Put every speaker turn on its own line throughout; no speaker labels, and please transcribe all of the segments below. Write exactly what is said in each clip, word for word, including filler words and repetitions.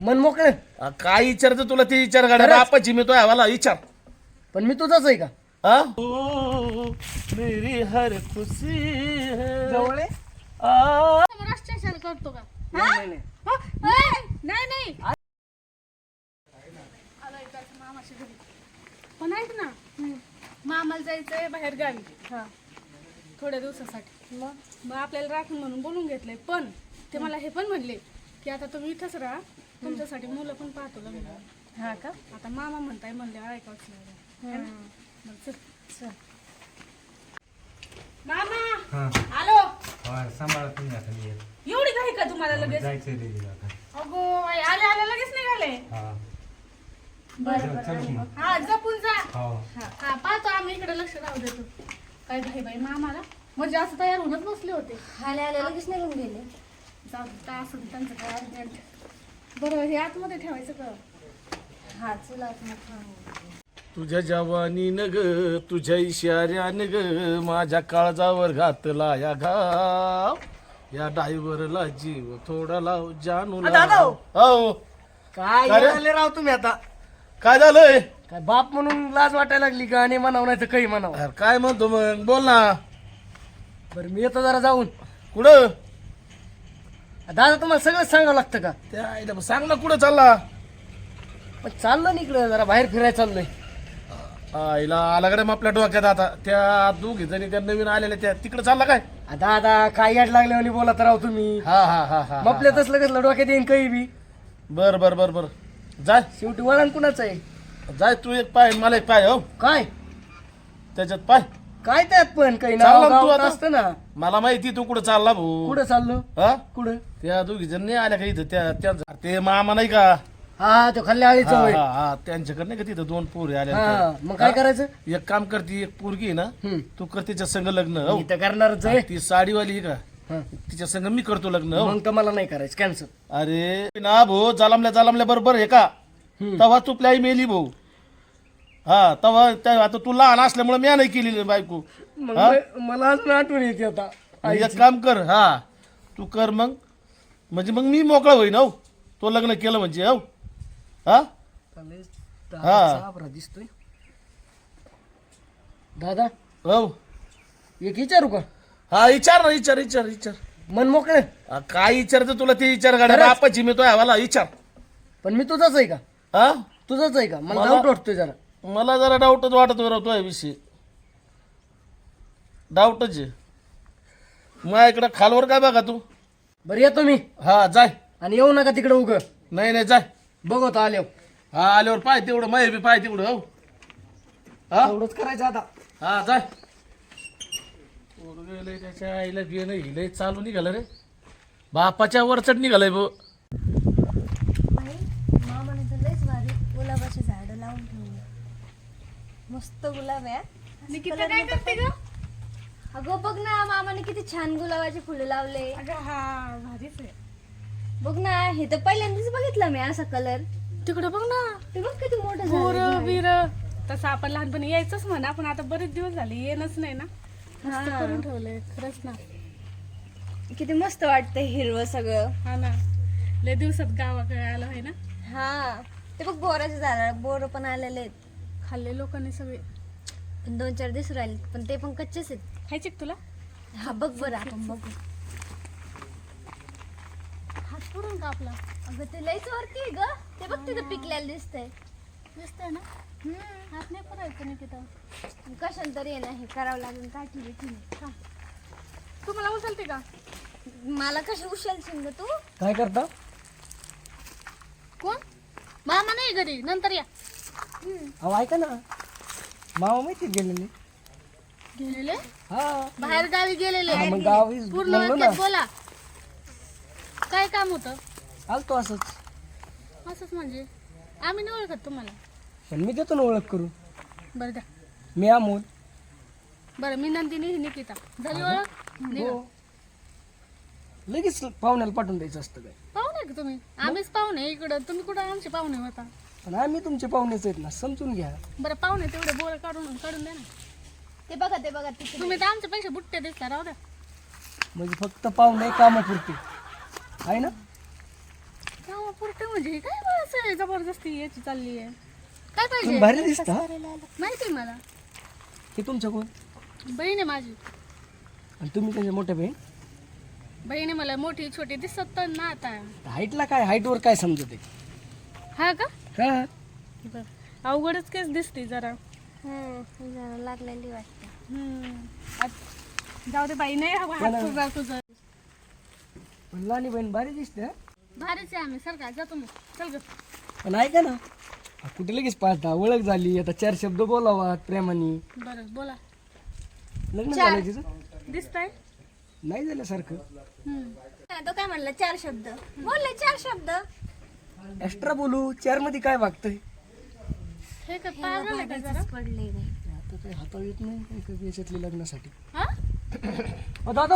मन मोकळे.
आ, काय विचारतं तुला ते विचार गाड्या बापाची मी तो हवाला विचार.
पण मी तुझाच आहे का?
हा मेरी हर खुशी है
जवळ आहे?
आ,
राष्ट्रीय करतो का?
नाही, नाही.
हा? ए, नाही नाही आलाय त्याचं मामाच्या घरी. पण ऐक ना, मामाला जायचंय बाहेर गावी थोड्या दिवसासाठी. मग मग आपल्याला राखून म्हणून बोलून घेतलंय. पण ते मला हे पण म्हणले की आता तुम्ही इथंच राहा, तुमच्यासाठी मुलं पण पाहतो लग्न. हा का? आता मामा म्हणताय म्हणले ऐकावंच लागलं. मग चल. चल. मामा आलो.
सांभाळा तुम्ही आता मी येतो.
एवढी काही का तुम्हाला लगेच?
जायचंय दीदीला आता.
अगो बाई, आले आले लगेच निघाले.
हा
बरं
चल मग.
हा जपून जा.
हो
हा हा, पाहतो आम्ही इकडे लक्ष राहू देतो. काय घाई बाई मामाला म्हणजे असं तयार होऊनच बसले होते.
आले आले लगेच निघून गेले.
जाऊ दे, काय असं त्यांचं काय अर्जंट. बरं हे आतमध्ये ठेवायचं का?
हा चला आता.
तुझ्या जवानीनं ग तुझ्या इशाऱ्यानं ग माझ्या काळजावर घातला या घाव, या डायव्हरला जीव थोडा लाव जानू
दादा
लाव. हो
काय
काय रे?
आले राव तुम्ही आता?
काय झालंय?
काय बाप म्हणून लाज वाटायला लागली का? आणि म्हणावं नाही तर काही म्हणावं.
अरे काय म्हणतो मग बोल ना.
बरं मी येतो जरा जाऊन.
कुठं?
दादा तुम्हाला सगळं सांगावं लागतं का?
त्या आईला मग सांग ना कुठं चालला?
पण चाललं ना इकडं जरा बाहेर फिरायला चाललोय.
आईला आला कडे मग आपल्या डोक्यात आता त्या दोघी जणी त्या नवीन आलेल्या त्या तिकडे चालला काय?
आ, दादा काय याड लागले आणि बोला तर राव तुम्ही.
हा हा हा हा
मग आपल्या तसलं कसलं डोक्यात येईन काही बी.
बर बर बर बर जाय
शेवटी वळण कुणाचं आहे?
जाय तू एक पाय मला एक पाय. हो
काय
त्याच्यात पाय
काय त्यात पण काही
चालला
नाव
ना तू
गाव
आता?
असतं ना.
मला माहिती तू कुठं चालला भाऊ.
कुठं चाललो?
हा
कुठं?
त्या दोघी जण नाही आल्या का इथं त्या त्या- ते मामा नाही का?
हा तो खाल्ल्या आळीचा
हा
होय.
हा हा त्यांच्याकडे नाही का तिथं दोन पोरी आल्या
हा
त्या.
मग काय
हा?
करायचं?
एक काम करती एक पोरगी आहे ना
हम्म.
तू कर तिच्या संग लग्न. हो
मी तर करणारच आहे.
ती साडीवाली आहे का?
हा.
तिच्या संग मी करतो लग्न. हो
मग तर मला नाही करायचं, कॅन्सल.
अरे ना भाऊ जालामल्या जालामल्या बरोबर आहे का? तवा तू प्लाई मेली भाऊ. हा तवा त्या- आता तू लहान असल्यामुळे मी नाही केलेली बायको.
मग
हा?
म- मला अजून आठवण येते आता.
मग एक काम कर. हा तू कर मग म्हणजे मग मी मोकळा होईन. हो तो लग्न केलं म्हणजे. हो हा हा.
साबरा दिसतोय दादा.
हो
एक विचारू का?
हा विचार ना विचार विचार विचार.
मन मोकळे.
हा, काय विचारतं तुला ते विचार गाड्या
खरंच?
बापाची मी तो हवाला विचार.
पण मी तुझाच आहे का?
हा
तुझाच आहे का? मला
मला-
डाऊट वाटतोय जरा.
मला जरा डाऊटच वाटत राहतो विषय. डाऊटच आहे मग इकडं खालवर काय बघा तू.
बरं येतो मी.
हा जाय.
आणि येऊ नका तिकडे उग.
नाही नाही जाय.
बघतो आल्यावर.
हा आल्यावर पाय तेवढं माय बी पाय तेवढं. हो हा
एवढंच करायचं आता.
हा जाय. पोरगं लय त्याच्या आईला बियणं हिलय चालू निघालं रे. बापाच्या वरचढ निघालंय भाऊ.
बाई मामाने तर लयच भारी गुलाबाची झाडं लावून ठेवली. मस्त गुलाब आहे.
निकिता काय करते ग?
अगं बघ ना मामाने किती छान गुलाबाची फुलं लावले.
अगं हा भारीच आहे.
बघ ना हे तर पहिल्यांदाच बघितलं मी असा कलर.
तिकडे बघ ना
ते बघ किती मोठं
पोर
झालं.
बिर तसं आपण लहानपणी यायचंच म्हणा, पण आता बरेच दिवस झाले येणच नाही ना. मस्त करून ठेवलंय खरंच ना.
किती मस्त वाटतंय हिरवं सगळं.
हा ना, लय दिवसात गावाकडे आलं आहे ना.
हा ते बघ बोराचे झाड बोर पण आलेले आहेत.
खाल्ले लोकांनी सगळे.
पण दोन चार दिवस राहिले पण ते पण कच्चेच आहेत.
खायचे का तुला?
हा बघ बरं आपण बघू.
हात पुरून का आपला?
अगं ते लयच वरती आहे ग. ते बघ तिथं पिकलेलं दिसतंय.
दिसतंय ना. हात नाही पुरायचं निकिता.
कशाला तरी आहे ना हे करावं लागेल काठी बिठी.
तुम्हाला उचलते का?
मला कशी उचलशील ग तू?
काय करता?
कोण? मामा नाही घरी, नंतर या.
अहो ऐका ना, मामा माहिती गेलेले.
गेलेले?
हा
बाहेर गावी गेलेले.
हा, मग गावी
पूर्ण
म्हणलो ना.
वाक्यात बोला. काय काम होतं?
आलतो असंच.
असंच म्हणजे आम्ही नाही ओळखत तुम्हाला.
पण मी देतो ना ओळख करून.
बरं द्या.
मी अमोल.
बरं मी नंदिनी ही निकिता. झाली ओळख? निघा.
हो. लगेच पाहुण्याला पाठवून द्यायचं असतं काय?
पाहुणे का तुम्ही? आम्हीच पाहुणे इकडं. तुम्ही कुठं आमचे पाहुणे होता?
पण आम्ही तुमचे पाहुणेच आहेत ना, समजून घ्या.
बरं पाहुणे तेवढे बोर काढून काढून द्या ना.
ते बघा ते बघा तिथे.
तुम्ही तर आमच्या पेक्षा बुट्टे दिसता. राहू द्या.
म्हणजे फक्त पाहुणे कामापुरते आहे ना.
कामापुरते मामा पुरते म्हणजे हे काय बा असं जबरदस्ती याची चालली आहे काय
तुम्ही
पाहिजे
भारी दिसता
माहिती आहे मला
हे तुमच्या कोण
बहीण आहे माझी
आणि तुम्ही त्यांच्या मोठ्या बहीण
बहीण आहे मला मोठी छोटी दिसत तर ना आता
हाईटला काय हाईटवर काय समजते
हा का
हा
बरं. अवघडच केस दिसते जरा
हम्म, जरा लागलेली वाटते.
हम्म. आत- जाऊ दे बाई नाही हवा हात तुझा तुझं
पण लहानी बहीण भारी दिसते हा.
भारीच आहे आम्ही सर का जातो मग चल ग
पण ऐका ना कुठे लगेच पाहता ओळख झाली आता चार शब्द बोलावा प्रेमाने
बरं बोला
लग्न झालं तिचं
दिसतंय
नाही झाल्यासारखं
हम्म.
हा, तो काय म्हणला चार शब्द बोलले चार शब्द
एक्स्ट्रा बोलू चार मध्ये काय वागतंय
हे काय पागल आहे का जरा
पडले बाई.
आता काही हातावर येत नाही काही कमी याच्यातली लग्नासाठी
हा
ओ दादा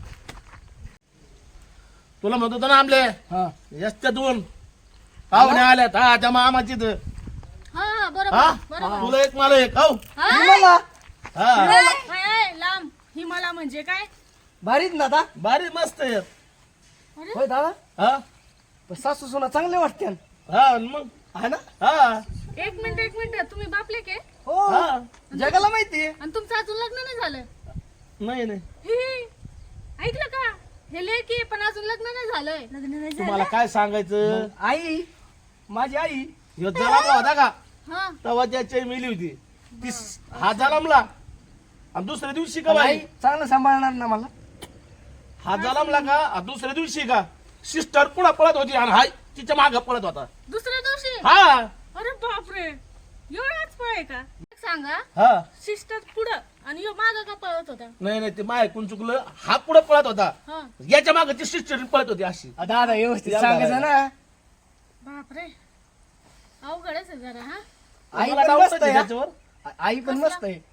तुला म्हणत होतो ना आमले
हा
यस्त्या दोन पाहुणे आल्यात हा त्या मामाची तर
हा हा
हा
बरोबर बरोबर
तुला एक मला एक हो
मला
हा
हाय, हाय, लांब हिमाला म्हणजे काय
भारीच ना आता
भारी मस्त आहे
होय दादा
हा
पण सासू सुना चांगले वाटते
हा आणि मग
हा ना
हा
एक मिनिट एक मिनिट तुम्ही बापले के
हो
हा
जगाला माहितीये
आणि तुमचं अजून लग्न नाही झालं
नाही नाही
हे ऐकलं का हे लेकी पण अजून लग्न नाही झालंय
लग्न नाही झालं.
तुम्हाला काय सांगायचं
आई माझी आई
ह्यो जलामला होता का
हा
तेव्हा त्याची आई मेली होती ती हा जलामला आणि दुसऱ्या दिवशी का
आई
बाई
चांगलं सांभाळणार ना मला
हा जलामला का आणि दुसऱ्या दिवशी का सिस्टर पुढे पळत होती आणि हा तिच्या माग पळत होता
दुसऱ्या दिवशी
हा
अरे बापरे एवढाच पळ आहे का एक सांगा
हा
सिस्टर पुढं आणि यो माग का पळत होता
नाही नाही ते माय ऐकून चुकलं हा पुढे पळत होता
हा
याच्या मागे ती सिस्टर पळत होती अशी
आ, दादा व्यवस्थित
याला
सांगायचं ना
बापरे अवघडच आहे जरा हा
आई
मला
पण
डाऊटच
मस्त
आहे
आहे हा.
त्याच्यावर
आ- आई पण मस्त आहे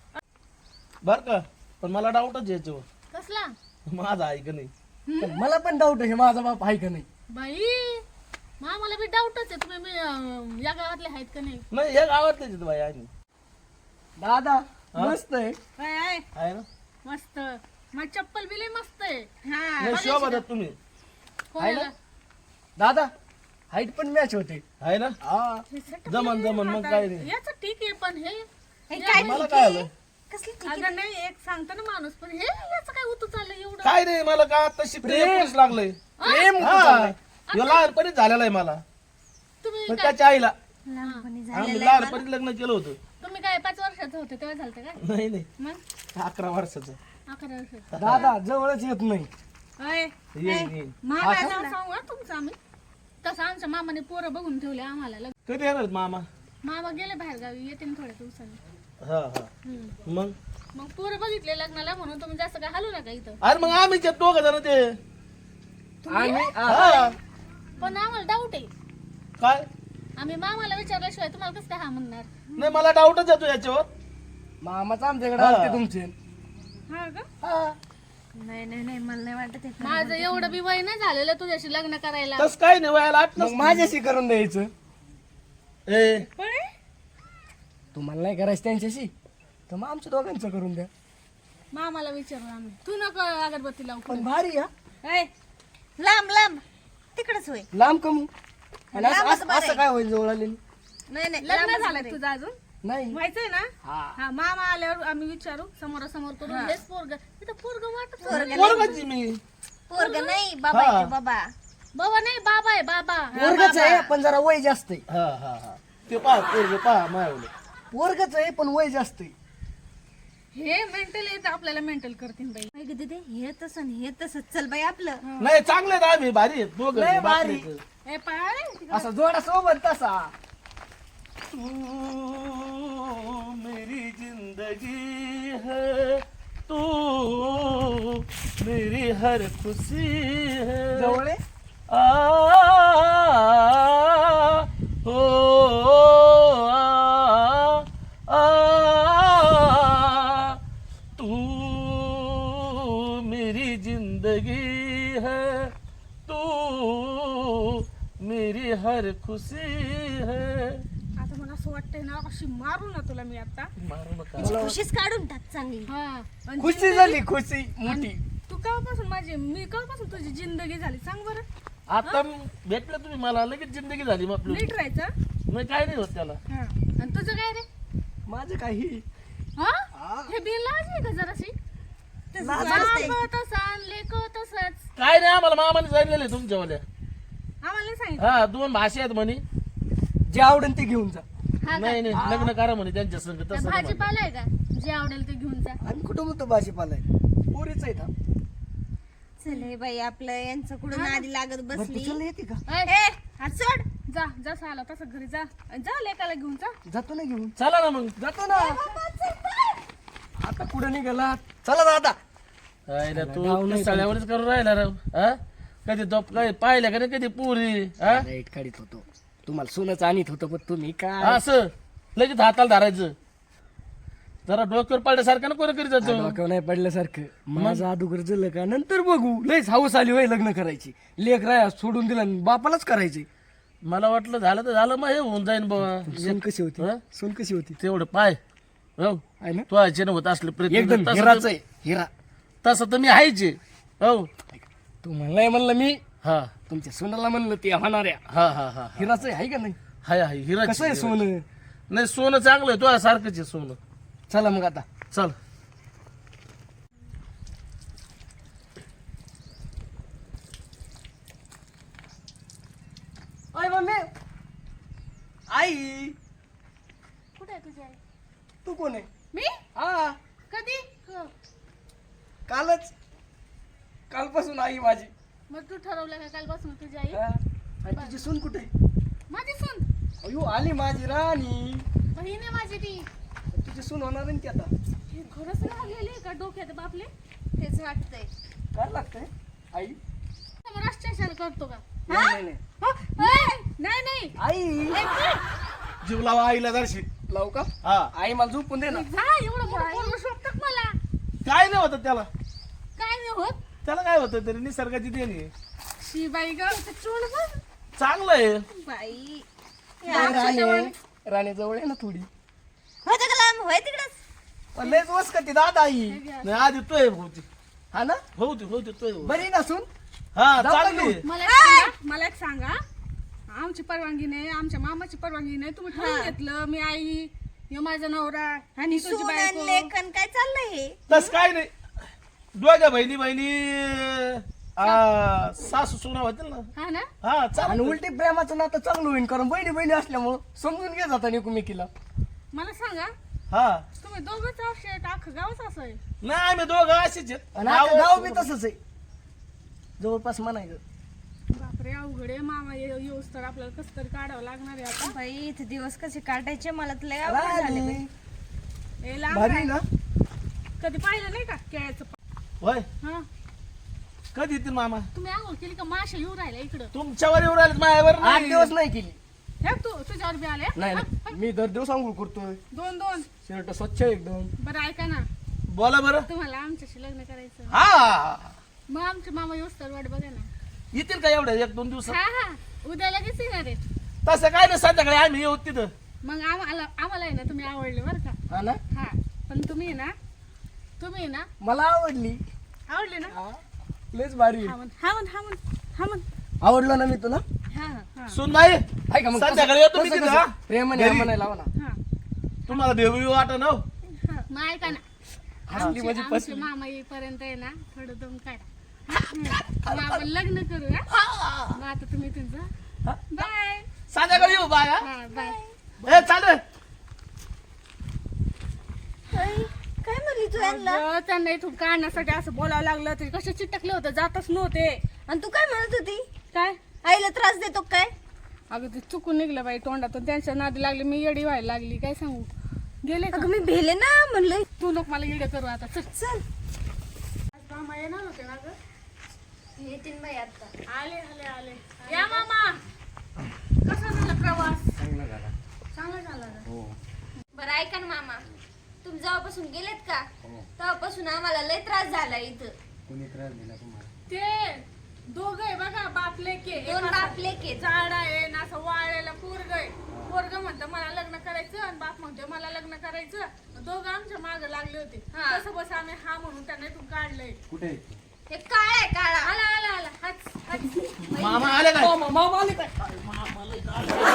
बर का पण मला डाऊटच आहे याच्यावर
कसला
माझा आहे का नाही
पण मला पण डाऊट आहे माझा बाप आहे का नाही
बाई मा मला बी डाऊटच आहे तुम्ही मी, अं, या गावातले आहेत का नाही
नाही हे गावातलेच आहेत बाई आहे
दादा मस्त आहे
काय आहे
आहे ना
मस्त मग चप्पल बिले मस्त आहे हा
नाही शोभा देत तुम्ही
कोणाला?
दादा हाईट पण मॅच होते
आहे ना
हा
हे सगळं
जमन जमन मग काय नाही
याचं ठीक आहे पण हे
हे काय
मला काय आलं
कसली ती-
अगं नाही एक सांगतो ना माणूस पण हे याचं काय उतू चाललं एवढं
काय नाही मला का आताशी प्रेम लागलंय
प्रेम
हा ह्यो लहानपणीच झालेला आहे मला
तुम्ही
पण त्याच्या आईला
लहानपणी झालं.
आम्ही लहानपणीच लग्न केलं होतं
तुम्ही काय पाच वर्षाचं होते तेव्हा झालं काय
नाही नाही
मग
अकरा वर्षाचं
अकरा वर्षाचं
दादा जवळच येत नाही
अय
येईन येईन
मामा नाव सांगू हा तुमचं आम्ही तसं आमच्या मामाने पोरं बघून ठेवले आम्हाला लग्न.
कधी येणार आहेत मामा
मामा गेले बाहेर गावी येते ना थोड्या दिवसांनी
हा हा
हम्म.
मग
मग पोरं बघितले लग्नाला म्हणून तुम्ही जास्त काय हलू नका इथं
अरे मग आम्ही दोघ जण ते
आम्ही आ-
हा
पण आम्हाला डाऊट आहे
काय
आम्ही मामाला विचारल्याशिवाय तुम्हाला कसं काय हा म्हणणार
नाही मला डाऊटच येतो याच्यावर
मामाच आमच्याकडे
हा.
आलते तुमचे
हा का
हा.
नाही नाही नाही मला नाही वाटत हे खरं.
माझं एवढं बी वय नाही झालेलं तुझ्याशी लग्न करायला
तस काय नाही वयाला आठ
मग माझ्याशी करून द्यायचं
ए
पण
तुम्हाला नाही करायचं त्यांच्याशी तर मग आमच्या दोघांचं करून द्या
मामाला विचारू आम्ही तू नको अगरबत्ती लावू
पण भारी हा
ऐ,
लांब लांब तिकडच होय
लांब कमी आणि असं-
लांबच
असं
बरं
असं काय होईल जवळ आलेली
नाही नाही
लग्न
लांबच
झालंय
बरं.
तुझं अजून
नाही
व्हायचंय ना
हा
हा मामा आल्यावर आम्ही विचारू समोरासमोर करून हेच पोरग तिथं पोरग वाटत
पोरगं
पोरगाची मी
पोरगं नाही बाबा आहे तो बाबा
बाबा नाही बाबा आहे बाबा
पोरगच आहे पण जरा वय जास्त आहे
हा हा हा ते पहा पोरग पहा मायवलं
पोरगच आहे पण वय जास्त आहे
हे मेंटल येत आपल्याला मेंटल करतील बाई
काय गं दीदी हे तसं आणि हे तसं चल बाई आपलं
नाही चांगले आहेत आम्ही भारी आहेत दोघं
लय
बापरे.
भारी.
ए पाय
असा जोडा सोबत तसा
तू मेरी जिंदगी है तू मेरी हर खुशी है
जवळ आहे
आ हो आ, आ, तू मेरी जिंदगी है तू मेरी हर खुशी है
आता मला असं वाटतंय ना अशी मारू ना तुला मी आता
मारू नका
खुशीच काढून टाक चांगली
हा आणि
खुशी झाली खुशी मोठी
तू केव्हापासून माझी मी केव्हापासून तुझी जिंदगी झाली सांग बरं
आता भेटलं तुम्ही मला लगेच जिंदगी झाली मग आपली
नीट राहायचं.
नाही काय नाही होत त्याला.
हा. आणि तुझं काय रे?
माझं काही
हा हे बिन लाज आहे का जराशी? बाप तसा लेक तसंच.
काय नाही आम्हाला मामाने सांगितलेलं तुमच्यावाल्या.
आम्हाला नाही सांगितलं.
हा दोन भाषा आहेत म्हणे.
जे आवडेल ते घेऊन जा.
हा का?
नाही नाही लग्न करा म्हणे त्यांच्या संग तसं नाही म्हणे.
भाजीपाला आहे का? जे आवडेल ते घेऊन जा.
आम्ही कुठं म्हणतो भाजीपाला आहे, पोरीच आहे ना.
चल हे बाई आपलं यांचं कुठं नादी लागत
बरं,
बसली.
तू चल येते का?
ए, हात सोड. जा जसं आला तसं घरी जा. आणि जा लेकाला घेऊन जा.
जातो ना घेऊन.
चला ना मग.
जातो ना. आता कुठं निघाला? चला दादा.
राहिला तू सगळ्यावरच करून राहिला राव. हा कधी तो काय पाहिल्या का नाही कधी पुरी. हा
लाईट काढीत होतो, तुम्हाला सोनच आणत होतो, पण तुम्ही काय
असं लगेच हाताला धरायचं. जरा डोक्यावर पडल्यासारखं ना कोण करीत जातो.
डोक्यावर नाही पडल्यासारखं. माझं अगोदर झालं का नंतर बघू. लयच हाऊस आली वय लग्न करायची. लेख राया सोडून दिला आणि बापालाच करायचे.
मला वाटलं झालं तर झालं मग हे होऊन जाईन बाबा.
सोन कशी होती?
हा?
सोन कशी होती?
तेवढं पाय हो
आहे ना?
तू आयचे होत असले प्रयत्न
एकदम
तसं
हिराच
तर-
आहे, हिरा.
तसं तर मी हायचे हो.
तू म्हणलाय म्हणलं मी
हा
तुमच्या सोनाला म्हणलं ते होणाऱ्या
हा हा हा
हिराच आहे का नाही?
हाय हाय हिरा
कसं आहे सोनं?
नाही सोनं चांगलं आहे तुझ्या सारखंच आहे सोनं.
चला मग आता.
चल
ओय मम्मी, आई
कुठे आहे तुझी आई?
तू कोण आहे?
मी
हा
कधी?
कालच, कालपासून आई माझी.
मग तू ठरवलं का कालपासून तुझी आई?
हा. आणि तुझी सून कुठे आहे?
माझी सून.
अयो आली माझी राणी.
बहीण आहे माझी ती.
तुझी सून होणार आहे ना ती आता.
हे खरंच लागलेली का डोक्यात बापले?
तेच वाटतंय.
काय लागतंय आई?
समोर राष्ट्रीय करतो का?
नाही नाही, नाही
हा? नाही नाही
आई
जीव लावा आईला दर्शी.
लावू का?
हा
आई मला झोपून दे ना.
जा एवढं मोठं पोरगं शोभतं का मला?
काय नाही होत त्याला.
काय नाही होत.
त्याला काय होतं तरी निसर्गाची देणी आहे.
शी बाई ग चोळ बघ
चांगलं आहे.
बाई
राणी राणी जवळ आहे ना थोडी.
होतं का लांब? होय तिकडच.
पण लयच वस करते दादा आई.
नाही आधी तो आहे भाऊची.
हा ना?
भाऊची भाऊची तो आहे.
बरी नसून
हा
जाऊ
चांगली
का
आहे.
मला एक सांगा मला एक सांगा आमची परवानगी नाही आमच्या मामाची परवानगी नाही तुम्ही ठरवून घेतलं मी आई हे माझा नवरा आणि तुझी
सून आणि
बायको
लेखन काय चाललंय हे?
तस काय नाही. दोघ्या बहिणी बहिणी आ, सासू सुना होतील ना.
हा ना
हा
आणि
चालेल.
उलटी प्रेमाचं नातं चांगलं होईल, कारण बहिणी बहिणी असल्यामुळं समजून घे जाता एकमेकीला.
मला सांगा
हा
तुम्ही दोघंच असे अख्खं गावच असं आहे
नाही आम्ही दोघं अशीच आहेत.
आणि आता गाव बी तसंच आहे जवळपास म्हणायचं.
बापरे अवघड आहे मामा ये- येऊस तर आपल्याला कसं तरी काढावं लागणार आहे आता
बाई इथे दिवस कसे काढायचे मला तर लय अवघड झाले बाई.
राणी,
हे लांब
भारी
आहे.
ना?
कधी पाहिलं नाही का केळ्याचं
होय
हा
कधी येतील मामा?
तुम्ही आंघोळ केली का माशा येऊ राहिल्या इकडं
तुमच्यावर येऊ राहिले माझ्यावर
आठ
नाही.
दिवस नाही केली.
हे तू तुझ्यावर बी आले
नाही नाही. मी दर दिवस आंघोळ करतोय.
दोन दोन
शर्ट स्वच्छ आहे एकदम.
बरं ऐका ना
बोला बरं.
तुम्हाला आमच्याशी लग्न करायचं
हा
मग आमचे मामा येऊस तर वाट बघा ना
येतील का एवढ्या एक दोन दिवसात?
हा हा उद्या लगेच येणार आहे
तसं काय नाही संध्याकाळी आम्ही येऊ तिथं.
मग आम्हाला आम्हाला आहे ना तुम्ही आवडले बरं का
हा ना?
हा पण तुम्ही आहे ना तुम्ही आहे ना
मला आवडली.
आवडले ना
हा, लयच भारी आहे.
हा म्हण हा म्हण हा म्हण हा म्हण
आवडलं ना मी तुला?
हा हा
सुन नाही
आहे का मग?
संध्याकाळी येतो मी
कसं-
तिथं,
कसं?
हा?
प्रेमाने
घरी.
आम्हाला लावा ना.
हा
तुम्हाला भेऊ येऊ वाटत ना हो?
हा. मग ऐका ना
हसली
आमचे
म्हणजे
आमचे
फसली.
मामा येईपर्यंत आहे ना थोडं दम काढा मग आपण लग्न करू हा मग आता तुम्ही तुमचं बाय
संध्याकाळी येऊ बाय हा?
हा बाय
ए चालेल.
बाई, काय म्हणली तू यांना?
अगं, त्यांना इथून काढण्यासाठी असं बोलावं लागलं तरी कसे चिटकले होते जातच नव्हते
आणि तू काय म्हणत होती?
काय
आईला त्रास देतो काय?
अगं ते चुकून निघलं बाई तोंडातून त्यांच्या नादी लागली मी येडी व्हायला लागली काय सांगू गेले का
अगं मी भेले ना म्हणलं.
तू नको मला येडे करू आता चल
चल
आज मामा येणार होते ना ग
येतील बाई आता.
आले आले आले या मामा कसा झाला प्रवास
चांगला झाला.
चांगला झाला ना
हो
बरं ऐका ना मामा, तुम्ही जेव्हापासून गेलेत का
हो.
तेव्हापासून आम्हाला लय त्रास झाला इथं.
कोणी त्रास दिला तुम्हाला?
ते दोघ आहे बघा बाप लेके
दोन बाप लेके.
झाड आहे ना असं वाळलेला पोरग आहे पोरग म्हणतं मला लग्न करायचं आणि बाप म्हणतो मला लग्न करायचं दोघं आमच्या मागे लागले होते
हा.
तसं बस आम्ही हा म्हणून त्यांना इथून काढलंय
कुठे आहे ती?
हे काळा आहे काळा.
आला आला आला हाच
मामा आले काय
मामा मामा आले काय